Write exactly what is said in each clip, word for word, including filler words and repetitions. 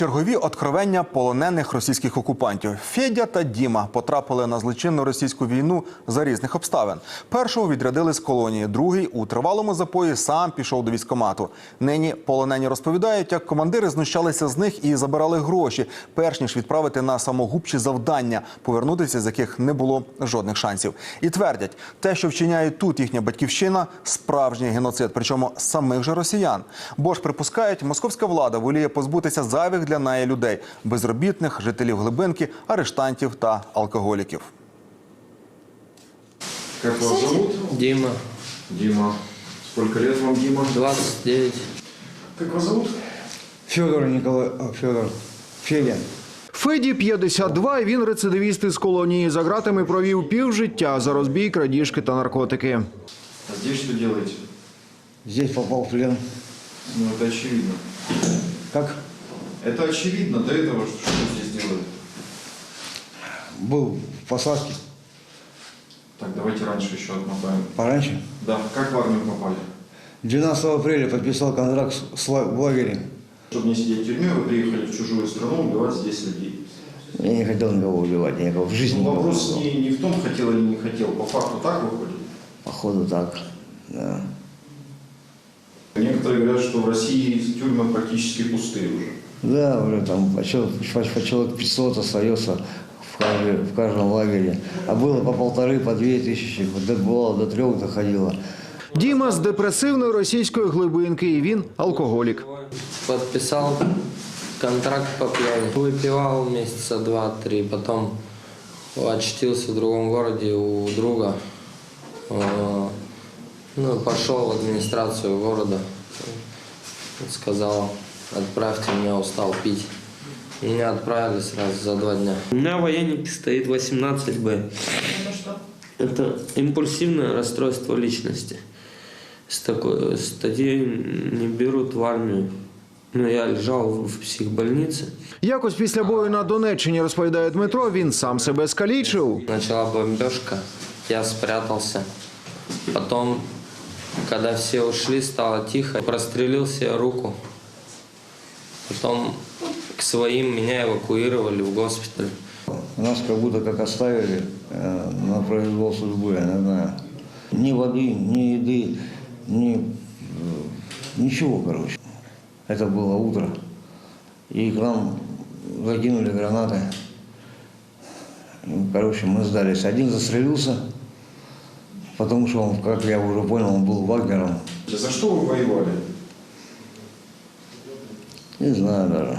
Чергові откровення полонених російських окупантів. Федя та Діма потрапили на злочинну російську війну за різних обставин. Першого відрядили з колонії, другий у тривалому запої сам пішов до військкомату. Нині полонені розповідають, як командири знущалися з них і забирали гроші, перш ніж відправити на самогубчі завдання, повернутися з яких не було жодних шансів. І твердять, те, що вчиняє тут їхня батьківщина – справжній геноцид, причому самих же росіян. Бо ж припускають, московська влада воліє позбутися зайвих для неї людей – безробітних, жителів глибинки, арештантів та алкоголіків. Как вас зовут? Дима. Дима. Сколько лет вам, Дима? двадцать девять. Как вас зовут? Федор Николай... Федор. Федя. Феді п'ятдесят два, і він рецидивіст із колонії. За ґратами провів півжиття за розбій, крадіжки та наркотики. А здесь что делаете? Здесь попал в плен. Ну, это очевидно. Как? Это очевидно. До этого что, что здесь делали? Был в посадке. Так, давайте раньше еще отмотаем. Пораньше. Да, как в армию попали? двенадцатого апреля подписал контракт с ла- в лагере. Чтобы не сидеть в тюрьме, вы приехали в чужую страну убивать здесь людей. Я не хотел никого убивать, я никого в жизни Ну, не вопрос убивал. не, не в том, хотел или не хотел. По факту так выходит? Походу так, да. Некоторые говорят, что в России тюрьмы практически пустые уже. Да, уже там по человек, по человек пятьсот остается в, каждой- в каждом лагере. А было по полторы, по две тысячи, вот бывало до трех доходило. Діма з депресивної російської глибинки, і він алкоголік. Подписал контракт по пьяни. Выпивал месяца два-три, потом очутился в другом городе у друга. Э, Ну, пошел в администрацию города, сказал, отправьте меня, устал пить. Меня отправили сразу за два дня. У меня в военнике стоит восемнадцать бэ. Это что? Это импульсивное расстройство личности. С такой статьей не берут в армию. Но я лежал в психбольнице. Якось після бою на Донеччині, розповідає Дмитро, він сам себе скалічив. Начала бомбежка, я спрятался. Потом, когда все ушли, стало тихо. Прострелил себе руку. Потом к своим меня эвакуировали в госпиталь. Нас как будто как оставили э, на произвол судьбы, я не знаю. Ни воды, ни еды, ни... э, ничего, короче. Это было утро. И к нам закинули гранаты. И, короче, мы сдались. Один застрелился, потому что он, как я уже понял, он был вагнером. За что вы воевали? Не знаю даже,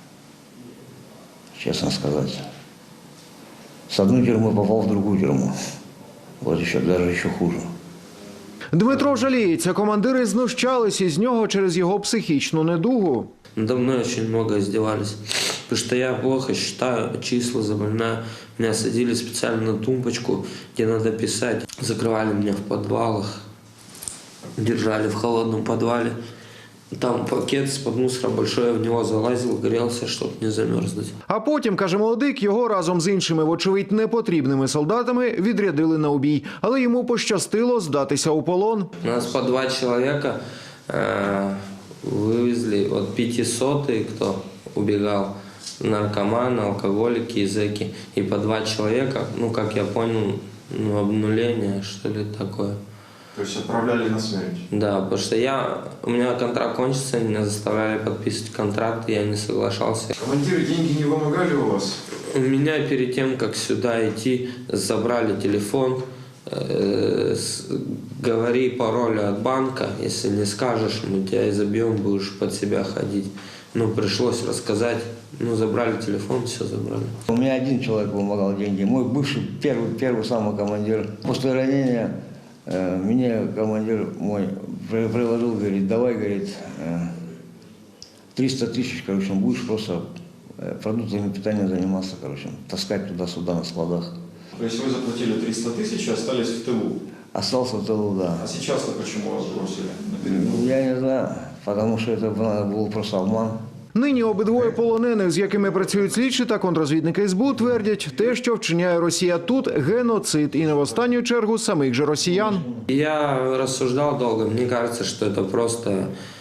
честно сказать. С одной тюрьмы попал в другую тюрьму. Вот еще, даже еще хуже. Дмитро жаліється, командири знущались із нього через його психічну недугу. Надо мной очень много издевались. Потому что я плохо считаю числа, запоминаю. Меня садили специально на тумбочку, где надо писать. Закрывали меня в подвалах, держали в холодном подвале. Там пакет из-под мусора большой, я в него залазил, грелся, чтобы не замерзнуть. А потім, каже молодик, його разом з іншими, вочевидь, непотрібними солдатами відрядили на убій. Але йому пощастило здатися у полон. Нас по два человека э, вывезли, вот пятисотый, кто убегал, наркоманы, алкоголики, зэки. И по два человека, ну, как я понял, ну, обнуление, что ли такое. То есть отправляли на смерть? Да, потому что я, у меня контракт кончится, меня заставляли подписывать контракт, и я не соглашался. Командиры деньги не вымогали у вас? У меня перед тем, как сюда идти, забрали телефон, э, с, говори пароль от банка, если не скажешь, мы тебя изобьем, будешь под себя ходить. Ну, пришлось рассказать, ну, забрали телефон, все забрали. У меня один человек помогал деньги, мой бывший, первый, первый самый командир. После ранения э, мне командир мой при- предложил, говорит, давай, говорит, э, триста тысяч, короче, будешь просто э, продуктами питания заниматься, короче, таскать туда-сюда на складах. То есть вы заплатили триста тысяч и остались в тылу? Остался в тылу, да. А сейчас-то почему вас бросили на передовую? Я не знаю, потому что это был просто обман. Нині обидвоє полонених, з якими працюють слідчі та контрозвідники ес бе у, твердять, те, що вчиняє Росія тут – геноцид. І не в останню чергу самих же росіян. Я рассуждал долго, мне кажется, что это просто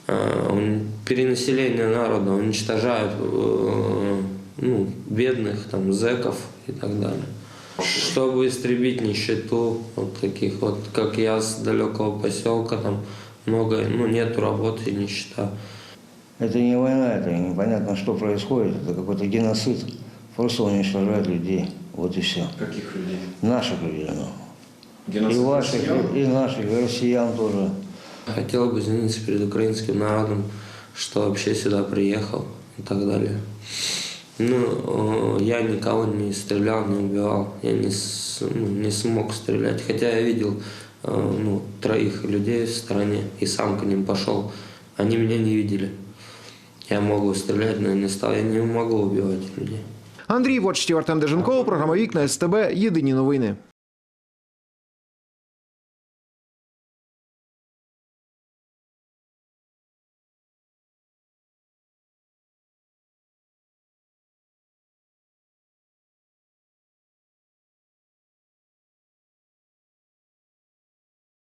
э, ун- перенаселение народа, уничтожают э, ну, бедных, там, зэков и так далее. Чтобы истребить нищету, вот таких вот, как я, с далекого поселка, там много, ну, нету работы и нищета. Это не война, это непонятно, что происходит. Это какой-то геноцид. Просто уничтожают людей. Вот и все. Каких людей? Наших людей. Ну. И Геноцид ваших, россиян? и, и наших, и россиян тоже. Хотел бы извиниться перед украинским народом, что вообще сюда приехал и так далее. Ну, э, я никого не стрелял, не убивал, я не, с- ну, не смог стрелять. Хотя я видел э, ну, троих людей в стороне и сам к ним пошел. Они меня не видели. Я могу стрелять, но я не стал. Я не могу убивать людей. Андрій Вочтів, Артем Деженков, програма «Вікна СТБ». Єдині новини.